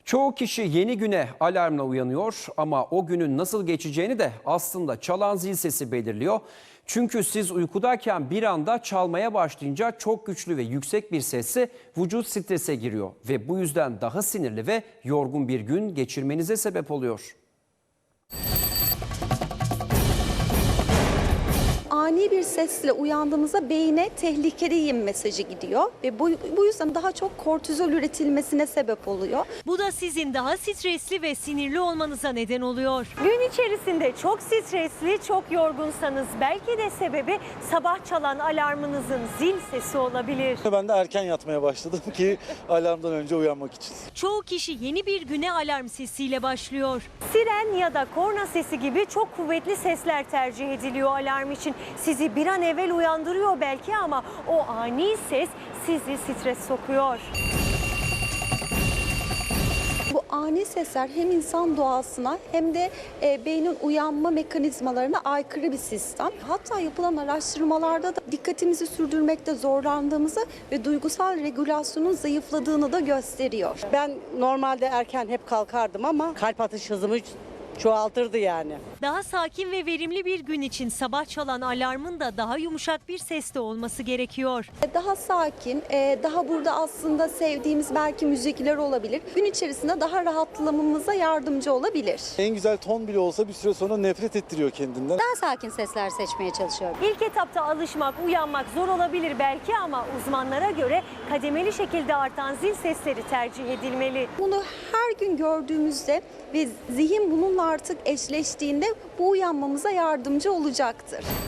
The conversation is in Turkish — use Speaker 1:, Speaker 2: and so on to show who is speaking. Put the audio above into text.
Speaker 1: Çoğu kişi yeni güne alarmla uyanıyor ama o günün nasıl geçeceğini de aslında çalan zil sesi belirliyor. Çünkü siz uykudayken bir anda çalmaya başlayınca çok güçlü ve yüksek bir sesle vücut strese giriyor ve bu yüzden daha sinirli ve yorgun bir gün geçirmenize sebep oluyor.
Speaker 2: Ani bir sesle uyandığımızda beyne tehlikedeyim mesajı gidiyor ve bu yüzden daha çok kortizol üretilmesine sebep oluyor.
Speaker 3: Bu da sizin daha stresli ve sinirli olmanıza neden oluyor. Gün içerisinde çok stresli, çok yorgunsanız belki de sebebi sabah çalan alarmınızın zil sesi olabilir.
Speaker 4: Ben de erken yatmaya başladım ki alarmdan önce uyanmak için.
Speaker 3: Çoğu kişi yeni bir güne alarm sesiyle başlıyor. Siren ya da korna sesi gibi çok kuvvetli sesler tercih ediliyor alarm için. Sizi bir an evvel uyandırıyor belki ama o ani ses sizi stres sokuyor.
Speaker 2: Bu ani sesler hem insan doğasına hem de beynin uyanma mekanizmalarına aykırı bir sistem. Hatta yapılan araştırmalarda da dikkatimizi sürdürmekte zorlandığımızı ve duygusal regülasyonun zayıfladığını da gösteriyor.
Speaker 5: Ben normalde erken hep kalkardım ama kalp atış hızımı çoğaltırdı yani.
Speaker 3: Daha sakin ve verimli bir gün için sabah çalan alarmın da daha yumuşak bir sesle olması gerekiyor.
Speaker 2: Daha sakin, daha burada aslında sevdiğimiz belki müzikler olabilir. Gün içerisinde daha rahatlamamıza yardımcı olabilir.
Speaker 4: En güzel ton bile olsa bir süre sonra nefret ettiriyor kendinden.
Speaker 6: Daha sakin sesler seçmeye çalışıyorum.
Speaker 3: İlk etapta alışmak, uyanmak zor olabilir belki ama uzmanlara göre kademeli şekilde artan zil sesleri tercih edilmeli.
Speaker 2: Bunu her gün gördüğümüzde ve zihin bununla artık eşleştiğinde bu uyanmamıza yardımcı olacaktır.